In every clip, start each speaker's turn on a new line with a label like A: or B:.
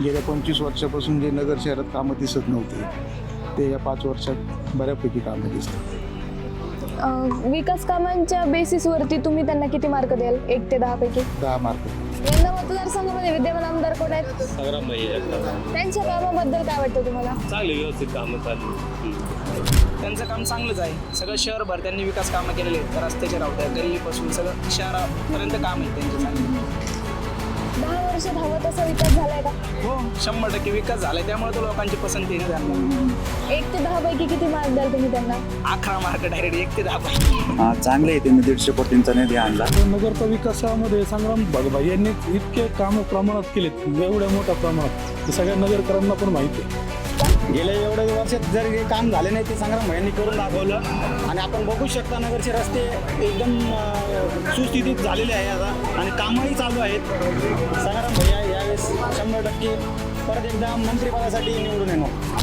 A: गेल्या 25 वर्षापासून जे नगर शहरात कामं दिसत नव्हते ते या 5 वर्षात बऱ्यापैकी कामं दिसतात.
B: विकास कामांच्या बेसिसवरती तुम्ही त्यांना किती मार्क द्याल 1 ते 10 पैकी?
A: 10 मार्क.
B: यंदा मतदारसंघामध्ये विद्यमान आमदार कोण आहेत?
C: संग्राम भैया जगताप.
B: त्यांच्या कामाबद्दल काय वाटतं तुम्हाला?
C: चांगली व्यवस्थित कामं चालू.
D: त्यांचं काम चांगलंच आहे. सगळं शहरभर त्यांनी विकास कामं केलेले आहेत. रस्त्याच्या रावट्या गल्लीपासून सगळं शहरापर्यंत काम आहे त्यांचे चांगले.
B: 10 वर्षात हवा तसा विकास झालाय का?
D: हो 100% विकास झालाय. त्यामुळे तो लोकांची पसंती आहे त्यांना.
B: 1 ते 10 पैकी किती मार्क द्याल तुम्ही त्यांना?
D: 11 मार्क डायरेक्ट 1 ते 10 पैकी.
E: चांगले आहे. त्यांनी 150 कोटींचा निधी आणला.
A: नगरच्या विकासामध्ये संग्राम भाई यांनी इतके काम प्रमाणात केलेत, एवढ्या मोठ्या प्रमाणात, ते सगळ्या नगरकरांना पण माहिती आहे.
F: गेल्या एवढ्या वर्षात जर हे काम झाले नाही ते संग्राम भाईंनी करून दाखवलं. आणि आपण बघू शकता नगरचे रस्ते एकदम सुस्थितीत झालेले आहे आता आणि कामही चालू आहेत. संग्राम भैया यावेळेस 100% परत एकदा मंत्रिपदासाठी निवडून येणार.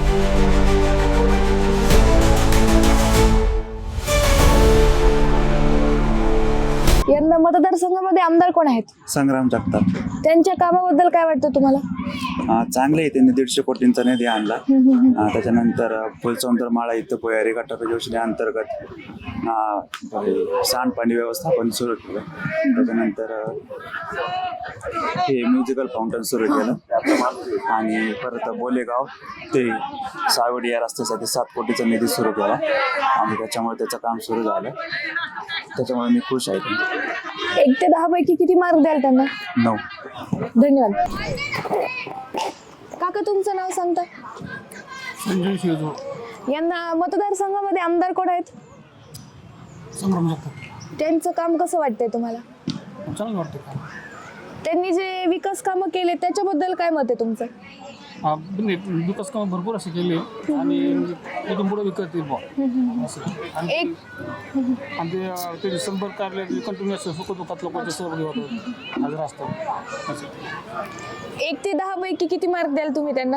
B: यंदा मतदारसंघामध्ये आमदार कोण आहेत?
E: संग्राम जगताप.
B: त्यांच्या कामाबद्दल काय वाटतं तुम्हाला?
E: चांगले आहे. त्यांनी 150 कोटींचा निधी आणला. त्याच्यानंतर फुलसौंदर माळा इथं भुयारी गटार योजनेअंतर्गत सांडपाणी व्यवस्थापन सुरू केलं. त्याच्यानंतर हे म्युझिकल फाउंटन सुरू केलं आणि परत बोलेगाव ते सावडी या रस्त्यासाठी 7 कोटीचा निधी सुरू केला आणि त्याच्यामुळे त्याचं काम सुरू झालं. त्याच्यामुळे मी खुश आहे.
B: 1 ते 10 पैकी किती मार्क द्याल त्यांना?
E: 9.
B: धन्यवाद. काका तुमचं नाव सांगता?
A: संजय शिवजो.
B: यंदा मतदारसंघामध्ये आमदार कोण आहेत?
A: संग्राम जगताप.
B: त्यांचं काम कसं वाटतंय तुम्हाला?
A: चांगलं वाटतं का?
B: त्यांनी जे विकास कामं केले त्याच्याबद्दल काय मत आहे तुमचं?
A: विकास कामं भरपूर असे केले आणि इथून पुढे विकत
B: एक
A: आणि ते संपर्क कार्यालय कंटिन्युअस सुखदुःखात लोकांच्या सहभागी होतात, हजर असतात.
B: 1 ते 10 पैकी किती मार्क द्याल तुम्ही त्यांना?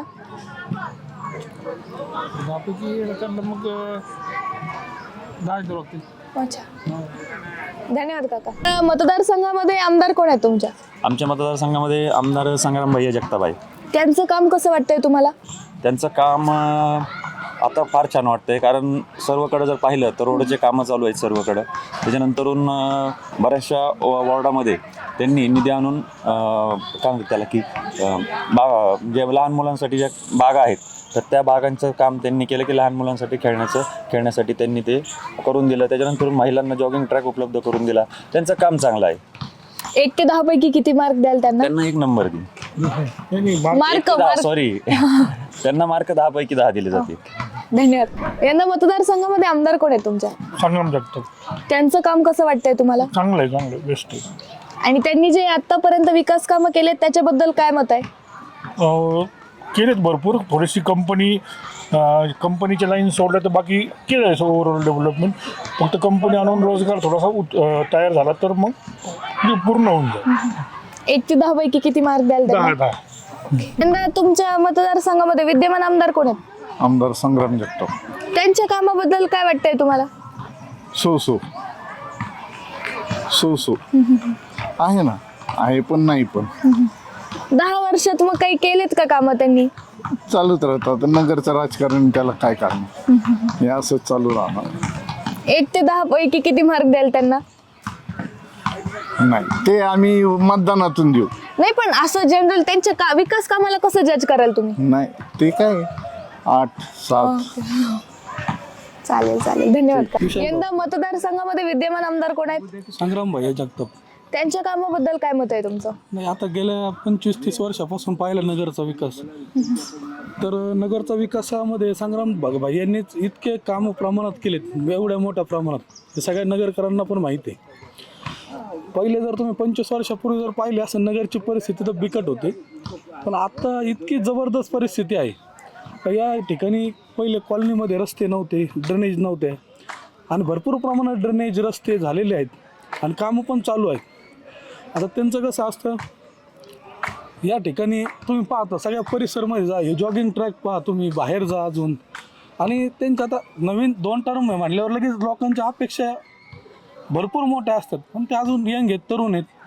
A: त्यापैकी त्यांना मग 10 द्यावं लागतील.
B: अच्छा, धन्यवाद काका. मतदारसंघामध्ये आमदार कोण आहेत तुमच्या?
G: आमच्या मतदारसंघामध्ये आमदार संग्राम भैया जगताप आहे.
B: त्यांचं काम कसं वाटतंय तुम्हाला?
G: त्यांचं काम आता फार छान वाटतंय, कारण सर्वकडे जर पाहिलं तर रोडचे कामं चालू आहेत सर्वकडं. त्याच्यानंतरून बऱ्याचशा वॉर्डामध्ये त्यांनी निधी आणून काय म्हणतात त्याला की जे लहान मुलांसाठी ज्या बागा आहेत तर त्या बागांचं काम त्यांनी केलं की लहान मुलांसाठी खेळण्यासाठी त्यांनी ते करून दिलं. त्याच्यानंतर महिलांना जॉगिंग ट्रॅक उपलब्ध करून दिला. त्यांचं काम चांगलं आहे.
B: 1 ते 10 पैकी किती मार्क द्याल त्यांना?
G: 1 नंबर देईन.
B: मार्क
G: सॉरी त्यांना मार्क 10 पैकी 10 दिले जाते.
B: धन्यवाद. यंदा मतदारसंघामध्ये आमदार कोण आहेत तुमच्या?
A: संग्राम जगताप.
B: त्यांचं काम कसं वाटतंय तुम्हाला?
A: चांगलं आहे, बेस्ट आहे.
B: आणि त्यांनी जे आतापर्यंत विकास कामं केलेत त्याच्याबद्दल काय मत आहे?
A: केलेत भरपूर. थोडीशी कंपनीच्या लाईन सोडल्या तर बाकी केलं आहे ओव्हरऑल डेव्हलपमेंट. फक्त कंपनी आणून रोजगार थोडासा तयार झाला तर मग पूर्ण होऊन जाईल.
B: 1 ते 10 पैकी किती मार्क द्याल त्यांना?
A: 10.
B: यंदा तुमच्या मतदारसंघामध्ये विद्यमान आमदार कोण आहेत?
A: आमदार संग्राम जगताप.
B: त्यांच्या कामाबद्दल काय वाटतंय तुम्हाला?
A: सो आहे ना, आहे पण नाही पण.
B: 10 वर्षात मग काही केलेत का कामं त्यांनी?
A: चालूच राहतात. नगरचं राजकारण त्याला काय कारण, हे असंच चालू राहणार.
B: 1 ते 10 पैकी किती मार्क द्याल त्यांना?
A: नाही ते आम्ही मतदानातून देऊ.
B: नाही पण असं जनरल त्यांच्या विकास कामाला कसं जज कराल तुम्ही?
A: नाही ते काय 8-7.
B: चालेल धन्यवाद. यंदा मतदारसंघामध्ये विद्यमान आमदार कोण आहेत?
H: संग्राम भैया जगताप.
B: त्यांच्या कामाबद्दल काय मत आहे तुमचं?
H: नाही, आता गेल्या 25-30 वर्षापासून पाहिला नगरचा विकास, तर नगरचा विकासामध्ये संग्राम भाई यांनीच इतके कामं प्रमाणात केलेत, एवढ्या मोठ्या प्रमाणात, ते सगळ्या नगरकरांना पण माहिती आहे. पहिले जर तुम्ही 25 वर्षापूर्वी जर पाहिले असं नगरची परिस्थिती तर बिकट होते, पण आता इतकी जबरदस्त परिस्थिती आहे. या ठिकाणी पहिले कॉलनीमध्ये रस्ते नव्हते, ड्रेनेज नव्हते आणि भरपूर प्रमाणात ड्रेनेज रस्ते झालेले आहेत आणि कामं पण चालू आहेत. आता त्यांचं कसं असतं, या ठिकाणी तुम्ही पाहता सगळ्या परिसरमध्ये जा, हे जॉगिंग ट्रॅक पहा, तुम्ही बाहेर जा अजून. आणि त्यांचं आता नवीन 2 टर्म आहे म्हटल्यावर लगेच लोकांच्या अपेक्षा भरपूर मोठ्या असतात, पण ते अजून यंग आहेत, तरुण आहेत.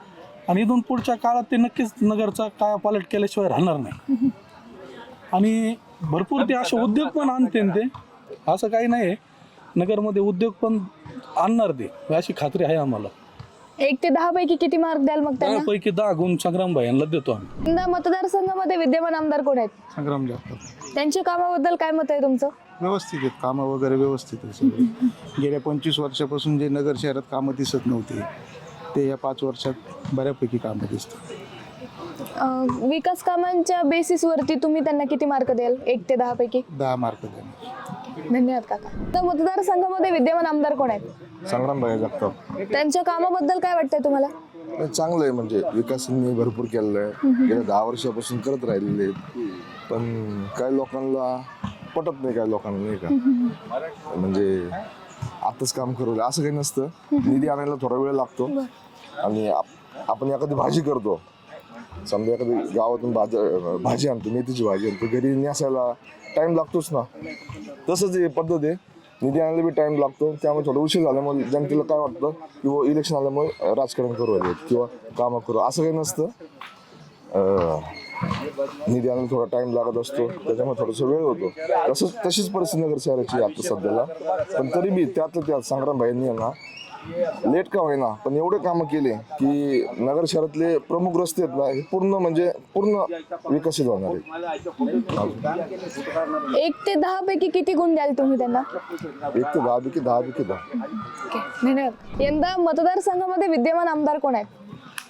H: आणि इथून पुढच्या काळात ते नक्कीच नगरचा कायापालट केल्याशिवाय राहणार नाही. आणि भरपूर ते असे उद्योग पण आणते ते, असं काही नाही आहे, नगरमध्ये उद्योग पण आणणार ते, अशी खात्री आहे आम्हाला.
B: 1 ते 10 पैकी किती मार्क द्याल मग त्यांना?
H: त्यापैकी 10 गुण संग्राम भाईंना देतो आम्ही.
B: यंदा मतदारसंघामध्ये विद्यमान आमदार कोण आहेत?
F: संग्राम जगताप.
B: त्यांच्या कामाबद्दल काय मत आहे तुमचं?
F: व्यवस्थित आहेत कामं वगैरे, व्यवस्थित आहे सगळे. गेल्या 25 वर्षापासून जे नगर शहरात कामं दिसत नव्हते ते या 5 वर्षात बऱ्यापैकी कामं दिसतात.
B: विकास कामांच्या बेसिसवरती तुम्ही त्यांना किती मार्क द्याल 1 ते 10 पैकी?
F: 10 मार्क देणार.
B: धन्यवाद काका. तर मतदारसंघामध्ये विद्यमान आमदार कोण आहेत?
I: संग्राम भाई जगताप.
B: त्यांच्या कामाबद्दल काय वाटतंय तुम्हाला?
I: चांगलं आहे, म्हणजे विकासांनी भरपूर केलेलं आहे, गेल्या 10 वर्षापासून करत राहिलेले आहेत. पण काही लोकांना पटत नाही, काही लोकांना नाही का, म्हणजे आताच काम करू असं काही नसतं. निधी आणायला थोडा वेळ लागतो. आणि आपण एखादी भाजी करतो, समजा एखादी गावातून भाजी आणतो, मेथीची भाजी आणतो, घरी नेसायला टाइम लागतोच ना. तसंच ही पद्धत आहे, निधी आणायला बी टाइम लागतो. त्यामुळे थोडं उशीर झाल्यामुळे जनतेला काय वाटतं किंवा इलेक्शन आल्यामुळे राजकारण करू राहिले किंवा कामं करू, असं काही नसतं. निधी आणायला थोडा टाइम लागत असतो, त्याच्यामुळे थोडासा वेळ होतो. तशीच परिस्थिती नगर शहराची आता सध्याला. पण तरी बी त्यातलं त्यात संग्राम भाईंनी ना लेट का होईना पण एवढे कामं केले की नगर शहरातले प्रमुख रस्ते आहेत ना, हे पूर्ण विकसित होणार आहे.
B: 1 ते 10 पैकी किती गुण द्याल तुम्ही त्यांना?
I: 1 ते 10 पैकी 10 पैकी 10.
B: ओके, धन्यवाद. यंदा मतदारसंघामध्ये विद्यमान आमदार कोण आहेत?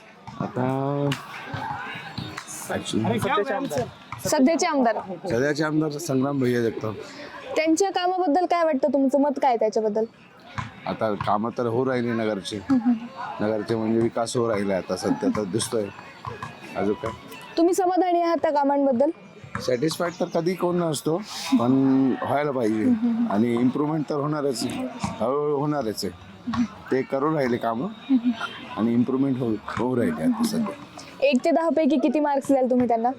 B: सध्याचे आमदार
I: सध्याचे आमदार संग्राम भैया जगताप.
B: त्यांच्या कामाबद्दल काय वाटतं? तुमचं मत काय आहे त्याच्याबद्दल?
I: आता कामं तर हो राहिली नगरचे म्हणजे विकास हो राहिला आता सध्या तर दिसतोय. अजून काय
B: तुम्ही समाधानी आहात त्या कामांबद्दल?
I: सॅटिस्फाईड तर कधी कोण नसतो, पण व्हायला पाहिजे. आणि इम्प्रूव्हमेंट तर होणारच, हळूहळू होणारच आहे. ते करून राहिले कामं आणि इम्प्रूव्हमेंट होऊ राहिले आता सध्या.
B: 1 ते 10 पैकी किती मार्क्स द्याल तुम्ही त्यांना?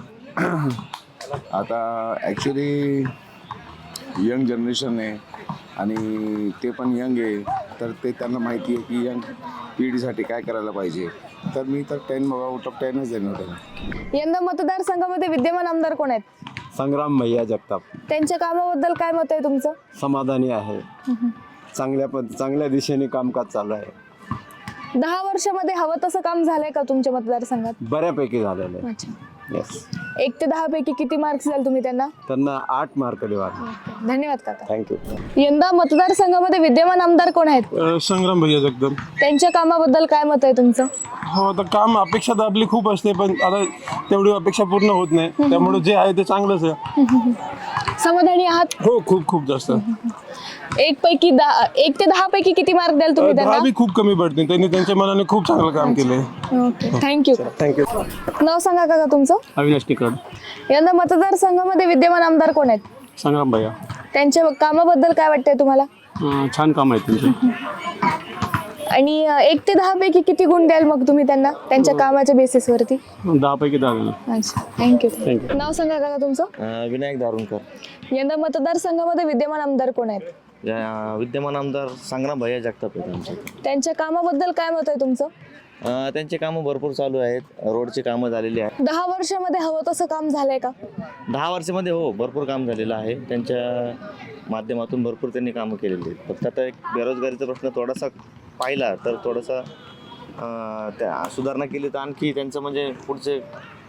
I: आता ॲक्च्युली यंग जनरेशन आहे आणि ते पण यंग आहे, तर ते त्यांना माहिती आहे की यंग पिढीसाठी काय करायला पाहिजे. तर मी तर 10 आउट ऑफ 10च देणार त्यांना.
B: यंदा मतदारसंघामध्ये विद्यमान आमदार कोण आहेत?
C: संग्राम भैया जगताप.
B: त्यांच्या कामाबद्दल काय मत आहे तुमचं?
C: समाधानी आहे, चांगल्या दिशेने कामकाज चालू आहे.
B: 10 वर्षामध्ये हवं तसं काम झालंय का तुमच्या मतदारसंघात?
C: बऱ्यापैकी झालेलं आहे.
B: अच्छा.
C: येस.
B: 1 ते 10 पैकी किती मार्क्स द्याल तुम्ही त्यांना?
C: त्यांना 8 मार्क देवा.
B: धन्यवाद काका.
C: थँक्यू.
B: यंदा मतदारसंघामध्ये विद्यमान आमदार कोण आहेत?
H: संग्राम भैया जगताप.
B: त्यांच्या कामाबद्दल काय मत आहे तुमचं?
H: हो, आता काम अपेक्षा तर आपली खूप असते, पण आता तेवढी अपेक्षा पूर्ण होत नाही, त्यामुळे जे आहे ते चांगलंच आहे.
B: समाधानी आहात?
H: हो, खूप जास्त.
B: 1 ते 10 पैकी किती मार्क द्याल तुम्ही
H: 10
B: त्यांना?
H: बी खूप कमी पडते, त्यांनी त्यांच्या मनाने खूप चांगलं काम केलंय.
B: Okay, thank you.
C: थँक्यू.
B: नाव सांगा काका तुमचं?
C: अविनाश टिकड.
B: यंदा मतदारसंघामध्ये विद्यमान आमदार कोण आहेत?
C: संग्राम भैया.
B: त्यांच्या कामाबद्दल काय वाटतंय तुम्हाला?
C: छान काम आहे त्यांचे.
B: आणि 1 ते 10 पैकी किती गुण द्याल मग तुम्ही त्यांना त्यांच्या कामाच्या बेसिसवरती?
C: 10 पैकी 10.
B: अच्छा, थँक्यू. नाव सांगा काका तुमचं?
J: विनायक दारुणकर.
B: यंदा मतदारसंघामध्ये विद्यमान आमदार कोण आहेत?
J: विद्यमान आमदार संग्राम भैया जगताप आहेत आमचे.
B: त्यांच्या कामाबद्दल काय मत आहे तुमचं?
J: त्यांचे कामं भरपूर चालू आहेत, रोडची कामं झालेली आहेत.
B: 10 वर्षामध्ये हवं तसं काम झालंय का?
J: 10 वर्षामध्ये हो भरपूर काम झालेलं आहे. त्यांच्या माध्यमातून भरपूर त्यांनी कामं केलेली आहेत. फक्त आता एक बेरोजगारीचा प्रश्न थोडासा पाहिला तर थोडासा त्या सुधारणा केली तर आणखी त्यांचं म्हणजे पुढचे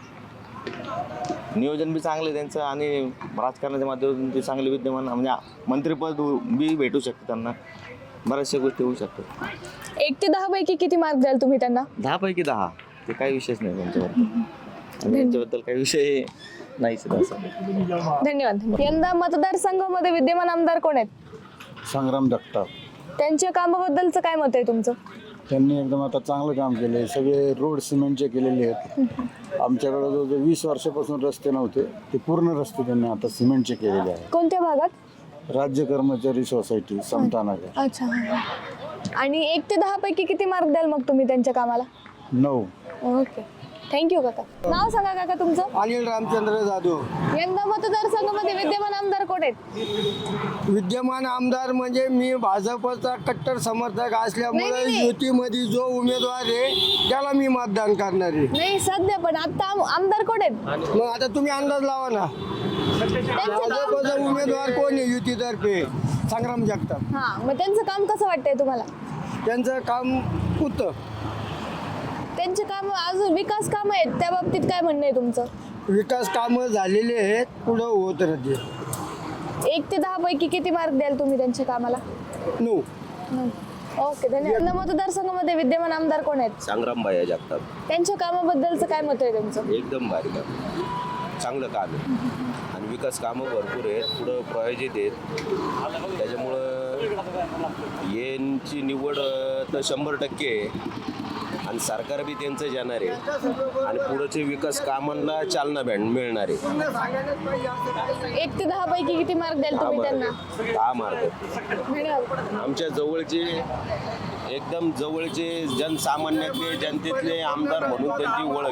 J: नियोजन बी चांगलं आहे त्यांचं आणि राजकारणाच्या माध्यमातून ते चांगले विद्यमान म्हणजे मंत्रिपद बी भेटू शकतं त्यांना, बऱ्याचशा गोष्टी होऊ शकतात.
B: 1 ते 10 पैकी किती मार्क द्याल तुम्ही त्यांना?
J: 10 पैकी 10. ते काही विषयच नाही त्यांच्याबद्दल आणि त्यांच्याबद्दल काही विषय नाहीच असं.
B: धन्यवाद. यंदा मतदारसंघामध्ये विद्यमान आमदार कोण आहेत?
F: संग्राम जगताप.
B: त्यांच्या कामाबद्दलचं काय मत आहे तुमचं?
F: त्यांनी एकदम आता चांगलं काम केलं. सगळे रोड सिमेंटचे केलेले आहेत. आमच्याकडे जो 20 वर्षापासून रस्ते नव्हते ते पूर्ण रस्ते त्यांनी आता सिमेंटचे केलेले आहेत.
B: कोणत्या भागात?
F: राज्य कर्मचारी सोसायटी समतानगर.
B: अच्छा. आणि 1 ते 10 पैकी किती मार्क द्याल मग तुम्ही त्यांच्या कामाला?
F: 9.
B: ओके, थँक्यू काका. नाव सांगा काका तुमचं.
F: अनिल रामचंद्र जाधव.
B: यंदा मतदारसंघामध्ये विद्यमान आमदार कोण आहेत?
F: विद्यमान आमदार म्हणजे मी भाजपचा कट्टर समर्थक असल्यामुळे
B: नाही, नाही.
F: युतीमध्ये जो उमेदवार आहे त्याला मी मतदान करणार आहे.
B: नाही सध्या, पण आता आमदार कोण आहेत?
F: मग आता तुम्ही अंदाज लावा ना, भाजपचा उमेदवार कोण आहे युतीतर्फे? संग्राम जगताप.
B: हा, मग त्यांचं काम कसं वाटतंय तुम्हाला?
F: त्यांचं काम उत्तम.
B: त्यांचे काम अजून विकास काम आहेत, त्या बाबतीत काय म्हणणं आहे तुमचं?
F: विकास कामं झालेले आहेत, पुढं होत राहते.
B: 1 ते 10 पैकी किती मार्क द्याल तुम्ही त्यांच्या कामाला?
F: 9.
B: ओके, धन्यवाद. यंदा मतदारसंघामध्ये विद्यमान आमदार कोण आहेत?
C: संग्राम भैया जगताप.
B: त्यांच्या कामाबद्दलचं काय मत आहे तुमचं?
C: एकदम भारी काम, चांगलं काम आहे आणि विकास कामं भरपूर आहेत, पुढं प्रायोजित आहेत. त्याच्यामुळं यांची निवड तर 100% आहे आणि सरकार बी त्यांचं जाणार आहे आणि पुढचे विकास कामांना चालना मिळणार आहे.
B: 1 ते 10 पैकी किती मार्क द्याल तुम्ही त्यांना?
C: 10 मार्क.
B: धन्यवाद.
C: आमच्या जवळचे, एकदम जवळचे जनसामान्यातले, जनतेतले आमदार म्हणून त्यांची ओळख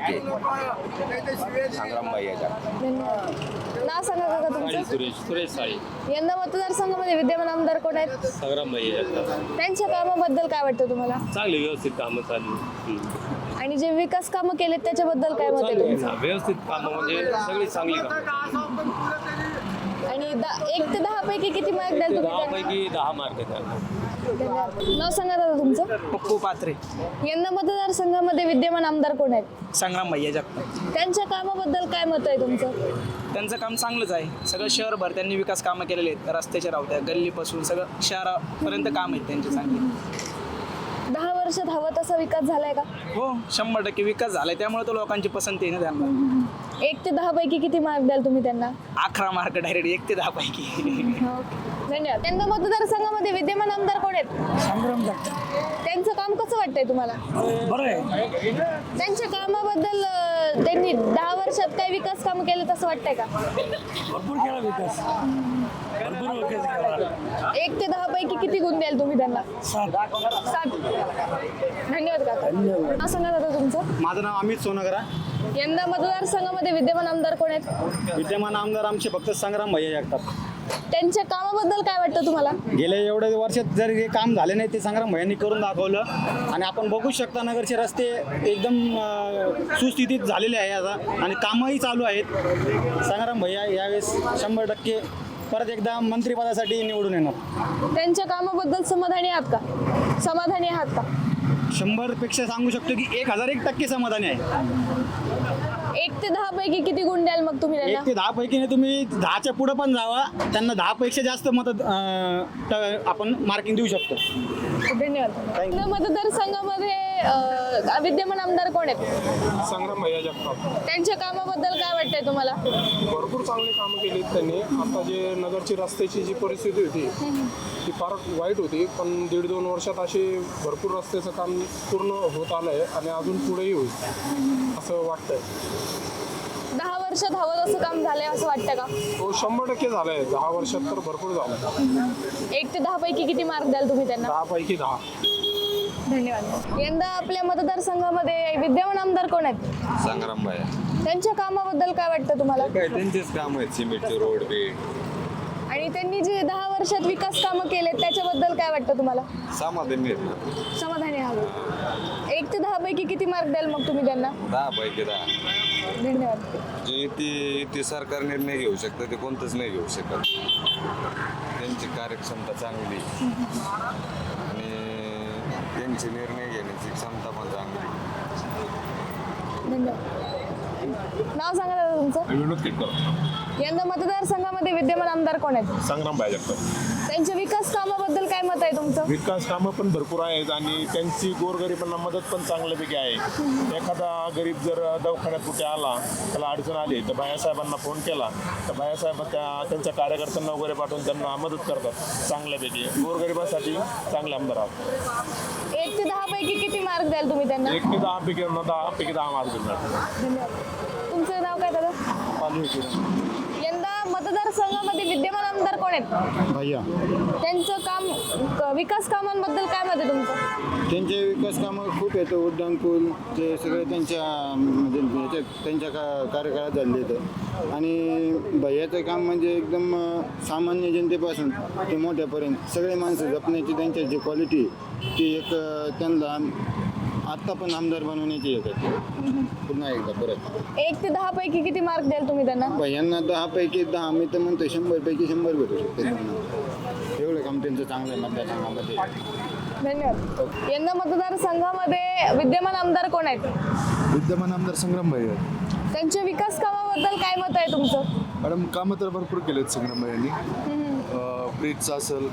C: आहे संग्राम भैया जगताप.
B: धन्यवाद. नाव सांगा काका तुमचं.
E: सुरेश साळी.
B: यंदा मतदारसंघामध्ये विद्यमान आमदार कोण आहेत?
E: संग्राम भैया
B: त्यांच्या कामाबद्दल काय वाटतं तुम्हाला?
E: चांगली व्यवस्थित कामं चालू.
B: आणि जे विकास कामं केलेत त्याच्याबद्दल काय मत आहे तुमचं?
E: व्यवस्थित कामं म्हणजे सगळी चांगली कामं.
B: आणि 1 ते 10 पैकी किती मार्क द्याल तुम्ही त्यांना?
E: 10 मार्क आहेत.
B: धन्यवाद. नाव सांगा दादा तुमचं.
D: पप्पू पात्रे.
B: यंदा मतदारसंघामध्ये विद्यमान आमदार कोण आहेत?
D: संग्राम भैया जगताप.
B: त्यांच्या कामाबद्दल काय मत आहे तुमचं?
D: त्यांचं काम चांगलंच आहे. सगळं शहरभर त्यांनी विकास कामं केलेले आहेत. रस्त्याच्या रावत्या, गल्लीपासून सगळं शहरापर्यंत काम आहेत त्यांचे चांगले.
B: 10 वर्षात हवा तसा विकास झालाय का?
D: हो, 100% विकास झालाय. त्यामुळे तो लोकांची पसंती आहे ना त्यांना.
B: 1 ते 10 पैकी किती मार्क द्याल तुम्ही त्यांना?
D: 11 मार्क डायरेक्ट 1 ते 10 पैकी.
B: धन्यवाद. यंदा मतदारसंघामध्ये विद्यमान आमदार कोण आहेत?
A: संग्राम जगताप.
B: त्यांचं काम कसं वाटतंय तुम्हाला?
A: बरं आहे.
B: त्यांच्या कामाबद्दल त्यांनी 10 वर्षात काय विकास काम केलं तसं वाटतंय का?
A: भरपूर केला विकास, भरपूर विकास केला.
B: 1 ते 10 पैकी किती गुण द्याल तुम्ही त्यांना? 7. धन्यवाद काका. नाव सांगा दादा तुमचं.
F: माझं नाव अमित सोनगरा.
B: यंदा मतदारसंघामध्ये विद्यमान आमदार कोण आहेत?
F: विद्यमान आमदार आमचे फक्त संग्राम भैया जगताप.
B: त्यांच्या कामाबद्दल काय वाटतं तुम्हाला?
F: गेल्या एवढ्या वर्षात जर हे काम झाले नाही ते संग्राम भैयांनी करून दाखवलं आणि आपण बघू शकता नगरचे रस्ते एकदम सुस्थितीत झालेले आहे आता आणि कामही चालू आहेत. संग्राम भैया यावेळेस 100% परत एकदा मंत्रिपदासाठी निवडून येणार.
B: त्यांच्या कामाबद्दल समाधानी आहात का? समाधानी आहात का?
F: 100पेक्षा सांगू शकतो की 1001% समाधानी आहे.
B: 1 ते 10 पैकी किती गुण द्याल मग तुम्ही
F: 1
B: त्यांना?
F: ते 10 पैकी नाही, तुम्ही 10च्या पुढं पण जावा, त्यांना 10 पेक्षा जास्त मत आपण मार्किंग देऊ शकतो.
B: धन्यवाद. यंदा मतदारसंघामध्ये विद्यमान आमदार कोण आहेत?
A: संग्राम भैया जगताप.
B: त्यांच्या कामाबद्दल काय वाटतंय तुम्हाला?
A: भरपूर चांगली कामं केली त्यांनी. आता जे नगरची रस्त्याची जी परिस्थिती होती ती फार वाईट होती, पण 1.5-2 वर्षात असे भरपूर रस्त्याचं काम पूर्ण होत आलं आहे आणि अजून पुढेही होईल असं वाटतंय.
B: 10 वर्षात हवं तसं काम झालंय असं वाटतं का?
A: हो, 100% झालं आहे. 10 वर्षात तर भरपूर झालं.
B: 1 ते 10 पैकी किती मार्क द्याल तुम्ही त्यांना?
A: 10 पैकी 10.
B: धन्यवाद. यंदा आपल्या मतदारसंघामध्ये विद्यमान आमदार कोण आहेत?
G: संग्राम भैया.
B: त्यांच्या कामाबद्दल काय वाटतं तुम्हाला?
G: काय त्यांचेच काम आहेत, सिमेंटचे रोड बीड.
B: आणि त्यांनी जे 10 वर्षात विकास कामं केलेत त्याच्याबद्दल काय वाटतं तुम्हाला?
G: समाधानी आहेत.
B: समाधानी आहात. 1 ते 10 पैकी किती मार्क द्याल मग तुम्ही त्यांना?
G: 10 पैकी 10.
B: धन्यवाद.
G: जे ते सरकार निर्णय घेऊ शकतं ते कोणतंच नाही घेऊ शकत. त्यांची कार्यक्षमता चांगली आणि त्यांचे निर्णय घेण्याची क्षमता पण चांगली.
B: धन्यवाद. नाव सांगा दादा तुमचं.
A: विनोद केटकर.
B: यंदा मतदारसंघामध्ये विद्यमान आमदार कोण आहेत?
A: संग्राम भैया जगताप.
B: त्यांच्या विकास कामाबद्दल काय मत आहे तुमचं?
A: विकास कामं पण भरपूर आहेत आणि त्यांची गोरगरिबांना मदत पण चांगल्यापैकी आहे. एखादा गरीब जर दवाखान्यात कुठे आला, त्याला अडचण आली तर बायासाहेबांना फोन केला तर बायासाहेब त्यांच्या कार्यकर्त्यांना वगैरे पाठवून त्यांना मदत करतात चांगल्यापैकी. गोरगरिबांसाठी चांगले आमदार आहात.
B: 1 ते 10 पैकी किती मार्क द्याल तुम्ही त्यांना?
A: 1 ते 10 पैकी 10 मार्क देणार.
B: धन्यवाद. तुमचं नाव काय दादा? यंदा मतदारसंघामध्ये विद्यमान आमदार कोण आहेत?
F: भैया
B: त्यांचं काम विकास कामांबद्दल काय मत आहे तुमचं?
F: त्यांचे विकास कामं खूप येतं. उड्डाणपूल ते सगळे त्यांच्या म्हणजे त्यांच्या कार्यकाळात झाले आहेत. आणि भैयाचं काम म्हणजे एकदम सामान्य जनतेपासून ते मोठ्यापर्यंत सगळे माणसं जपण्याची त्यांची जी क्वालिटी ती एक त्यांना आत्ता पण आमदार बनवण्याची एक आहे. पुन्हा एकदा परत
B: 1 ते 10 पैकी किती मार्क द्याल तुम्ही त्यांना?
F: भैयांना 10 पैकी 10 मी तर म्हणतो 100 पैकी 100 भेटू शकते त्यांना. एवढं काम त्यांचं चांगलं आहे मतदारसंघामध्ये.
B: धन्यवाद. यंदा मतदारसंघामध्ये विद्यमान आमदार कोण आहेत?
I: विद्यमान आमदार संग्राम भाई
B: त्यांच्या विकास कामाबद्दल काय मत आहे तुमचं?
I: मॅडम कामं तर भरपूर केलेत संग्राम भाईंनी. ब्रिजचं असेल,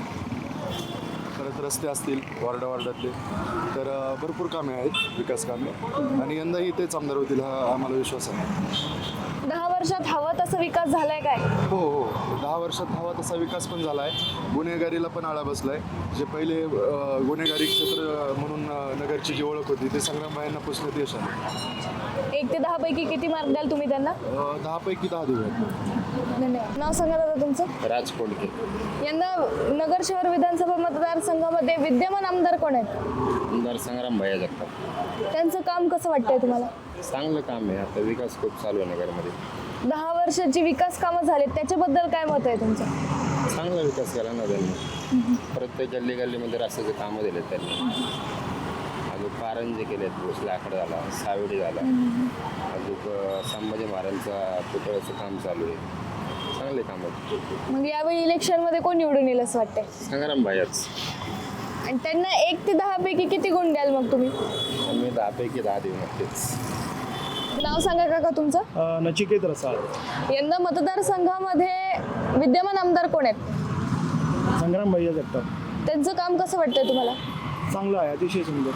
I: परत रस्ते असतील वार्डातले, तर भरपूर कामे आहेत, विकास कामे. आणि यंदाही तेच आमदार होतील हा आम्हाला विश्वास आहे.
B: 10 वर्षात हवा तसा विकास झालाय काय?
I: हो 10 वर्षात हवा तसा विकास पण झाला आहे. गुन्हेगारीला पण आळा बसला आहे. जे पहिले गुन्हेगारी क्षेत्र म्हणून नगरची जी ओळख होती ते संग्राम भाईंना पुसण्यात यश आले.
B: 1 ते 10 पैकी किती मार्क द्याल तुम्ही त्यांना?
I: 10 पैकी 10 देऊया.
B: धन्यवाद. नाव सांगा दादा तुमचं.
C: राजकोटके.
B: यंदा नगर शहर विधानसभा मतदारसंघामध्ये विद्यमान आमदार कोण आहेत?
C: आमदार संग्राम भैया जगताप.
B: त्यांचं काम कसं वाटतंय तुम्हाला?
C: चांगलं काम आहे. आता विकास खूप चालू आहे नगरमध्ये.
B: 10 वर्षाची विकास कामं झालीत त्याच्याबद्दल काय मत आहे तुमचं?
C: चांगला विकास केला ना त्यांनी. प्रत्येक गल्लीमध्ये रस्त्याचे कामं दिलेत त्यांनी. अजून कारंजे केलेत, भोसले आकडा झाला, सावडी झाला, अजून संभाजी महाराजांचा पुतळ्याचं काम चालू आहे. चांगले काम आहेत.
B: मग यावेळी इलेक्शनमध्ये कोण निवडून येईल असं वाटतंय?
C: संग्राम भाईच.
B: आणि त्यांना 1 ते 10 पैकी किती गुण द्याल मग तुम्ही?
C: मी 10 पैकी 10 देऊ नक्कीच.
B: नाव सांगा काका तुमचं.
F: नचिकेत रसाळ.
B: यंदा मतदारसंघामध्ये विद्यमान आमदार कोण आहेत?
F: संग्राम भैया जगताप.
B: त्यांचं काम कसं वाटतंय तुम्हाला?
F: चांगलं आहे, अतिशय सुंदर.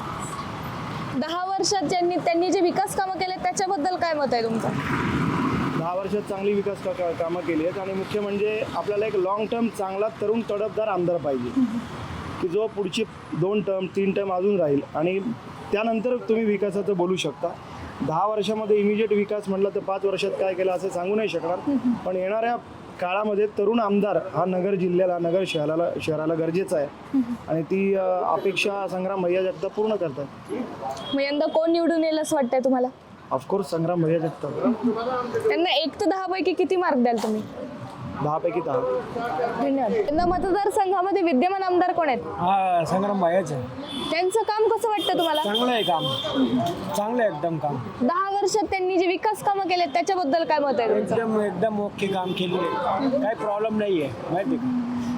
B: 10 वर्षात त्यांनी जे विकास कामं केले त्याच्याबद्दल काय मत आहे तुमचं?
F: 10 वर्षात चांगली विकास कामं केली आहेत. आणि मुख्य म्हणजे आपल्याला एक लॉंग टर्म चांगला तरुण तडफदार आमदार पाहिजे की जो पुढची 2 टर्म 3 टर्म अजून राहील आणि त्यानंतर तुम्ही विकासाचं बोलू शकता. 10 वर्षामध्ये इमिजिएट विकास म्हटलं तर 5 वर्षात काय केलं असं सांगू नाही शकणार. पण येणाऱ्या काळामध्ये तरुण आमदार हा नगर जिल्ह्याला नगर शहराला गरजेचा आहे. आणि ती अपेक्षा संग्राम भैया जगताप पूर्ण करतात.
B: मग यंदा कोण निवडून येईल असं वाटतंय तुम्हाला?
F: ऑफकोर्स संग्राम भैया जगताप.
B: त्यांना 1 ते 10 पैकी किती मार्क द्याल तुम्ही?
F: 10 पैकी 10.
B: धन्यवाद. यंदा मतदारसंघामध्ये विद्यमान आमदार कोण आहेत?
F: संग्राम भैयाचं
B: त्यांचं काम कसं वाटतं तुम्हाला?
F: चांगलं आहे काम, चांगलं आहे एकदम काम.
B: 10 वर्षात त्यांनी जे विकास कामं केले त्याच्याबद्दल काय मत आहे तुमचं?
F: एकदम ओके काम केलेलं आहे. काही प्रॉब्लेम नाही आहे माहिती का.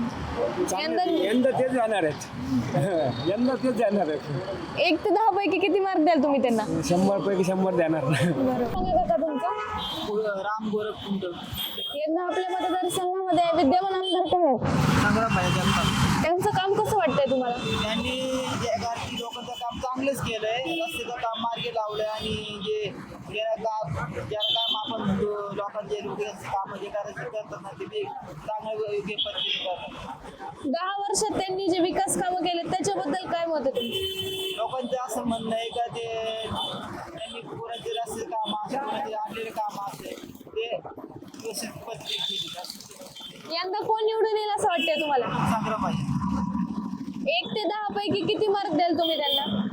F: यंदा तेच जाणार आहेत. यंदा तेच जाणार आहेत.
B: 1 ते 10 पैकी किती मार्क द्याल तुम्ही त्यांना?
F: 100 पैकी 100 देणार.
B: सांगा काका तुमचं.
D: राम गोरख कुंड.
B: यंदा आपल्या मतदारसंघामध्ये विद्यमान आमदार कोण आहेत?
D: संग्राम भैया जगताप.
B: त्यांचं काम कसं वाटतंय तुम्हाला?
D: त्यांनी गारठी लोकांचं काम चांगलंच केलंय. रस्त्याचं काम मार्गी लावलंय आणि जे ज्याला काम आपण म्हणतो लोकांचे काम जे करायचे करतात ना ते चांगलं योग्य पद्धतीने करतात.
B: 10 वर्षात त्यांनी जे विकास कामं केले त्याच्याबद्दल काय मत आहे तुमचं?
D: लोकांचं असं म्हणणं आहे का ते त्यांनी कोणाचे रस्ते काम असे कोणाचे आणलेले काम असते ते व्यवस्थित पद्धतीने केली.
B: यंदा कोण निवडून येईल असं वाटतंय तुम्हाला?
D: संग्राम भैया.
B: 1 ते 10 पैकी किती मार्क द्याल तुम्ही त्यांना?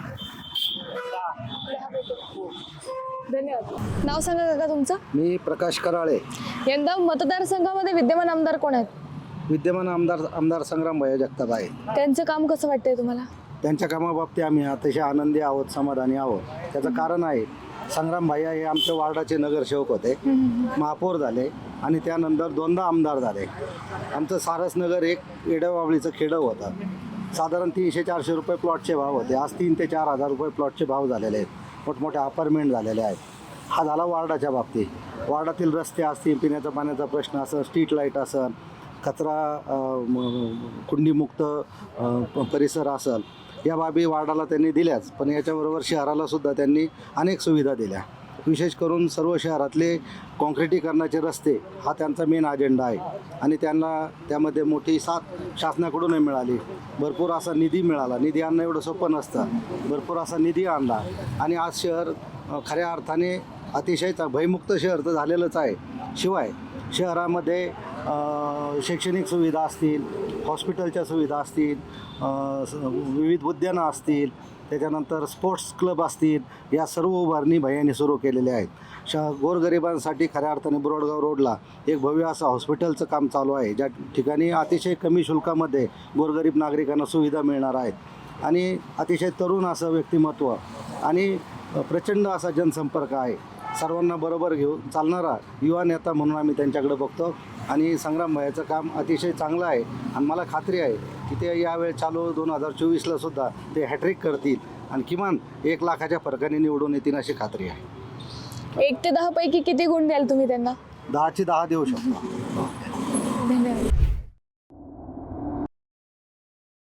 D: 10.
B: धन्यवाद. नाव सांगा काका तुमचं.
F: मी प्रकाश कराळे.
B: यंदा मतदारसंघामध्ये विद्यमान आमदार कोण आहेत?
F: विद्यमान आमदार संग्राम भैया जगताप आहे.
B: त्यांचं काम कसं वाटतंय तुम्हाला?
F: त्यांच्या कामाबाबतीत आम्ही अतिशय आनंदी आहोत, समाधानी आहोत. त्याचं कारण आहे संग्राम भैया हे आमच्या वार्डाचे नगरसेवक होते, महापौर झाले आणि त्यानंतर 2दा आमदार झाले. आमचं सारसनगर एक येडवावळीचं खेडं होतं. साधारण 300-400 रुपये प्लॉटचे भाव होते. आज 3 ते 4 हजार रुपये प्लॉटचे भाव झालेले आहेत. मोठमोठ्या अपार्टमेंट झालेले आहेत. हा झाला वार्डाच्या बाबतीत. वार्डातील रस्ते असतील, पिण्याचा पाण्याचा प्रश्न असेल, स्ट्रीट लाईट असेल, कचरा कुंडीमुक्त परिसर असेल, या बाबी वार्डाला त्यांनी दिल्याच. पण याच्याबरोबर शहरालासुद्धा त्यांनी अनेक सुविधा दिल्या. विशेष करून सर्व शहरातले काँक्रिटीकरणाचे रस्ते हा त्यांचा मेन अजेंडा आहे. आणि त्यांना त्यामध्ये मोठी साथ शासनाकडूनही मिळाली. भरपूर असा निधी मिळाला. निधी आणणं एवढं सोपं नसतं. भरपूर असा निधी आणला आणि आज शहर खऱ्या अर्थाने अतिशय भयमुक्त शहर तर झालेलंच आहे. शिवाय शहरामध्ये शैक्षणिक सुविधा असतील, हॉस्पिटलच्या सुविधा असतील, विविध उद्यानं असतील, त्याच्यानंतर स्पोर्ट्स क्लब असतील, या सर्व उभारणी भैयांनी सुरू केलेल्या आहेत. गोरगरिबांसाठी खऱ्या अर्थाने बोरडगाव रोडला एक भव्य असं हॉस्पिटलचं काम चालू आहे, ज्या ठिकाणी अतिशय कमी शुल्कामध्ये गोरगरीब नागरिकांना सुविधा मिळणार आहेत आणि अतिशय तरुण असं व्यक्तिमत्व आणि प्रचंड असा जनसंपर्क आहे. सर्वांना बरोबर घेऊन चालणारा युवा नेता म्हणून आम्ही त्यांच्याकडे बघतो आणि संग्राम भैयाचं काम अतिशय चांगलं आहे आणि मला खात्री आहे की ते यावेळी चालू 2024ला सुद्धा ते हॅट्रिक करतील आणि किमान 1 लाखाच्या फरकाने निवडून येतील अशी खात्री आहे.
B: 1 ते 10 पैकी किती गुण द्याल तुम्ही त्यांना?
F: 10ची 10 देऊ शकतो.
B: धन्यवाद.